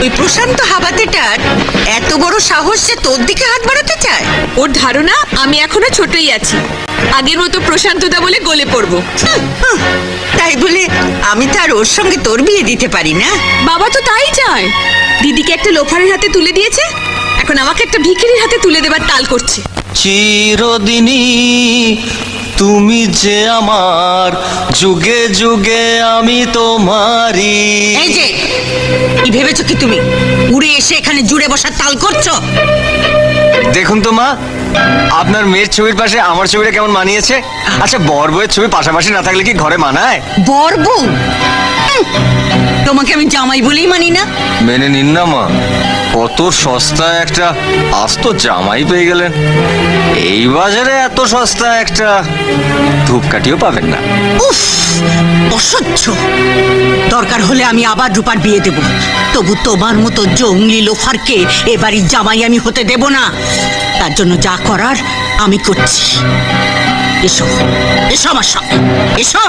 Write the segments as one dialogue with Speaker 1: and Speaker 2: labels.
Speaker 1: ওই প্রশান্ত হাবাতেটার এত বড় সাহস যে তোর দিকে হাত বাড়াতে চায়?
Speaker 2: ওর ধারণা আমি এখনো ছোটই আছি, আগের মতো প্রশান্তদা বলে গলে পড়বো।
Speaker 1: তাই বলে আমি তার ওর সঙ্গে তোর বিয়ে দিতে পারি না?
Speaker 2: বাবা তো তাই চায়। দিদিকে একটা লোফারের হাতে তুলে দিয়েছে, এখন আমাকে একটা ভিখিরির হাতে তুলে দেবার তাল করছে।
Speaker 3: চিরদিনই তুমি যে আমার, যুগে যুগে আমি তোমারই।
Speaker 1: এই যে কি ভেবেছো কি তুমি উড়ে এসে এখানে জুড়ে বসার তাল করছো?
Speaker 3: দেখুন তো মা, আপনার মেয়ের ছবির পাশে আমার ছবিটা কেমন মানিয়েছে। আচ্ছা, বর বউয়ের ছবি পাশাপাশি না থাকলে কি ঘরে মানায়?
Speaker 1: বর বউ? তোমাকে আমি জামাই বলেই মানি না।
Speaker 3: মেনে নিন না মা, কত সস্তায় একটা আস্ত জামাই পেয়ে গেলেন। এই বাজারে এত সস্তা একটা ধূপকাঠিও পাবেন না।
Speaker 1: উফ, অসহ্য। দরকার হলে আমি আবার রূপার বিয়ে দেব, তবু তোমার মতো জঙ্গলি লোফারকে এ বাড়ির জামাই আমি হতে দেব না। তার জন্য যা করার আমি করছি। এসো এসো আমার সঙ্গে, এসো।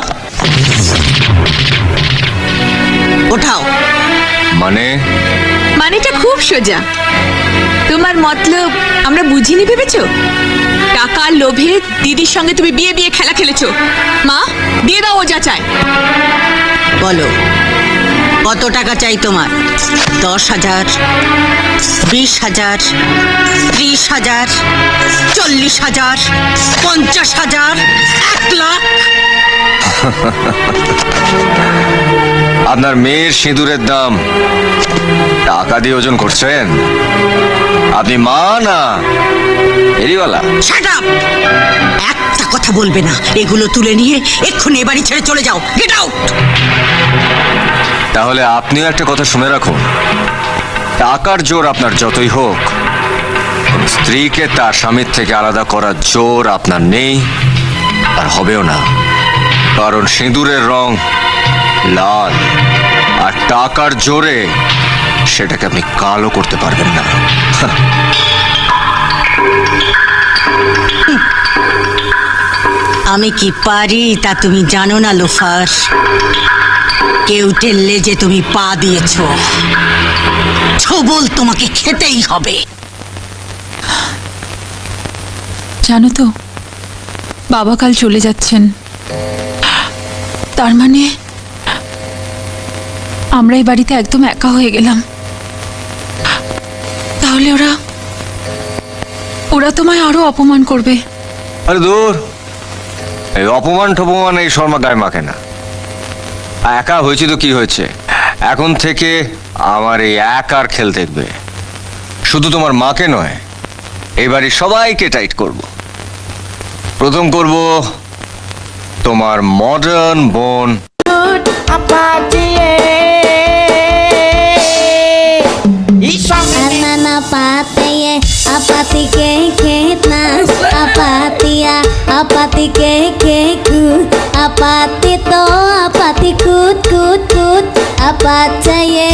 Speaker 1: ওঠাও।
Speaker 2: মানেটা খুব সোজা। তোমার মতলব আমরা বুঝিনি ভেবেছো? টাকার লোভে দিদির সঙ্গে তুমি বিয়ে বিয়ে খেলা খেলেছো। মা, দিয়ে দাও ও যা চায়।
Speaker 1: বলো, কত টাকা চাই তোমার? 10,000, 20,000, 30,000, 40,000, 50,000, 1 লাখ?
Speaker 3: আপনার মেয়ের সিঁদুরের দাম টাকা দিয়ে ওজন করছেন? আপনি মা না এরিওয়ালা?
Speaker 1: Shut up! একটা কথা বলবে না। এগুলো তুলে নিয়ে এক্ষুনি এ বাড়ি ছেড়ে চলে যাও। Get out!
Speaker 3: তাহলে আপনিও একটা কথা শুনে রাখুন, টাকার জোর আপনার যতই হোক, স্ত্রীকে তার স্বামীর থেকে আলাদা করার জোর আপনার নেই আর হবেও না। কারণ সিঁদুরের রং লাল, আর টাকার জোরে সেটাকে আপনি কালো করতে পারবেন না।
Speaker 1: আমি কি পারি তা তুমি জানো না লোফার। কেউ টেললে যে তুমি পা দিয়েছ, ছবল তোমাকে খেতেই হবে।
Speaker 4: জানো তো, বাবা কাল চলে যাচ্ছেন। তার মানে আমরা এই বাড়িতে একদম একা হয়ে গেলাম। তাহলে ওরা তোমায় আরো অপমান করবে।
Speaker 3: আরে দূর, এই অপমান টপমান এই শর্মা গায়ে মাখে না। একা হয়েছে তো কি হয়েছে, এখন থেকে আমার এই একার খেল দেখবে। শুধু তোমার মাকে নয়, এই বাড়ির সবাইকে টাইট করব। প্রথম করব তোমার মডার্ন বোন।
Speaker 5: Anana pateye apati ke ketna apatia apati ke keku apati to apati kut kut kut apachaye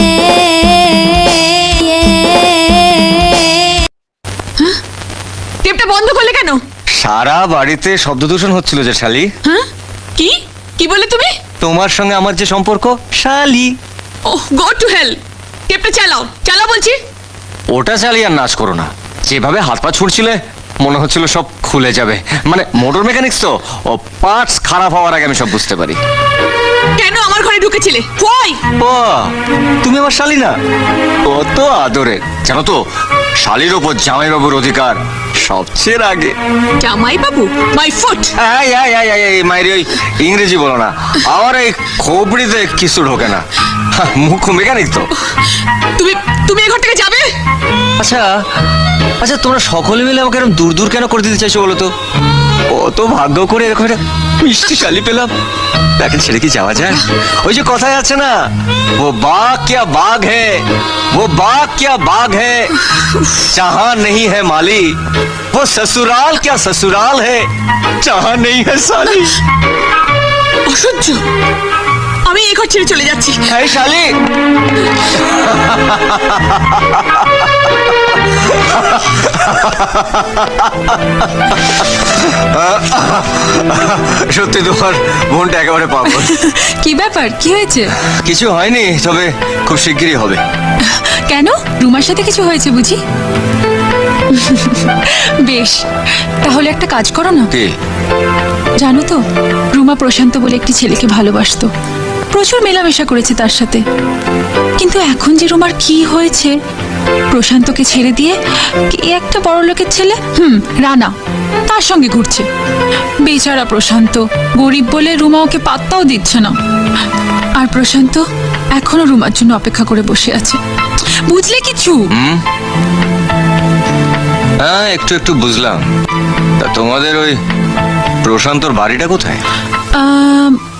Speaker 2: টেপটা বন্ধ করলে কেন?
Speaker 3: সারা বাড়িতে শব্দ দূষণ হচ্ছিল যে শালি।
Speaker 2: হ্যাঁ, কি কি বলে তুমি?
Speaker 3: তোমার সঙ্গে আমার যে সম্পর্ক, শালি।
Speaker 2: ওহ, গো টু হেল। টেপটা চালাও, চালাও বলছি।
Speaker 3: ওটা চালিয়ে আর নাচ করো না। যেভাবে হাত পা ছুটছিলে মনে হচ্ছিল সব খুলে যাবে। মানে মোটর মেকানিক্স তো, ও পার্টস খারাপ হওয়ার আগে আমি সব বুঝতে পারি।
Speaker 2: কেন আমার ঘরে ঢুকেছিলে? ওই
Speaker 3: ও, তুমি আমার শালি না? কত আদরের জানো তো, শালির ওপর জামাইবাবুর অধিকার সবচেয়ে আগে।
Speaker 2: জামাই বাবু, মাই ফুট।
Speaker 3: মাইরি, ওই ইংরেজি বলো না, আমার এই খোপড়িতে কিছু ঢোকে না। মুখ মেকানিক তো।
Speaker 2: তুমি তুমি এই ঘর থেকে যাবে?
Speaker 3: আচ্ছা আচ্ছা, তোমরা সকলে মিলে আমাকে এরকম দূর দূর কেন করে দিতে চাইছো বলো তো? কত ভাগ্য করে এরকম একটা মিষ্টি শালি পেলাম, তাকে ছেড়ে কি যাওয়া যায়? ওই যে কথায় আছে না, ও বাঘ क्या बाग है, वो बाग क्या बाग है, जहां नहीं है माली, वो ससुराल क्या ससुराल है, जहां नहीं है साली।
Speaker 2: অসহ্য। আমি এই ঘর ছেড়ে চলে যাচ্ছি।
Speaker 3: এই শালি, সত্যি তোমার বোনটা একেবারে পাগল।
Speaker 4: কি ব্যাপার, কি হয়েছে?
Speaker 3: কিছু হয়নি, তবে খুব শিগগিরই হবে।
Speaker 4: কেন, রুমার সাথে কিছু হয়েছে বুঝি? বেশ, তাহলে একটা কাজ করো না।
Speaker 3: কে?
Speaker 4: জানো তো, রুমা প্রশান্ত বলে একটি ছেলেকে ভালোবাসতো, প্রচুর মেলামেশা করেছে তার সাথে। কিন্তু এখন যে রুমার কি হয়েছে, প্রশান্তকে ছেড়ে দিয়ে কে একটা বড় লোকের ছেলে, রানা, তার সঙ্গে ঘুরছে। বেচারা প্রশান্ত, গরিব বলে রুমা ওকে পাত্তাও দিচ্ছে না। আর প্রশান্ত এখনো রুমার জন্য অপেক্ষা করে বসে আছে। বুঝলে কিছু?
Speaker 3: হ্যাঁ, একটু একটু বুঝলাম। তা তোমাদের ওই প্রশান্তর বাড়িটা কোথায়?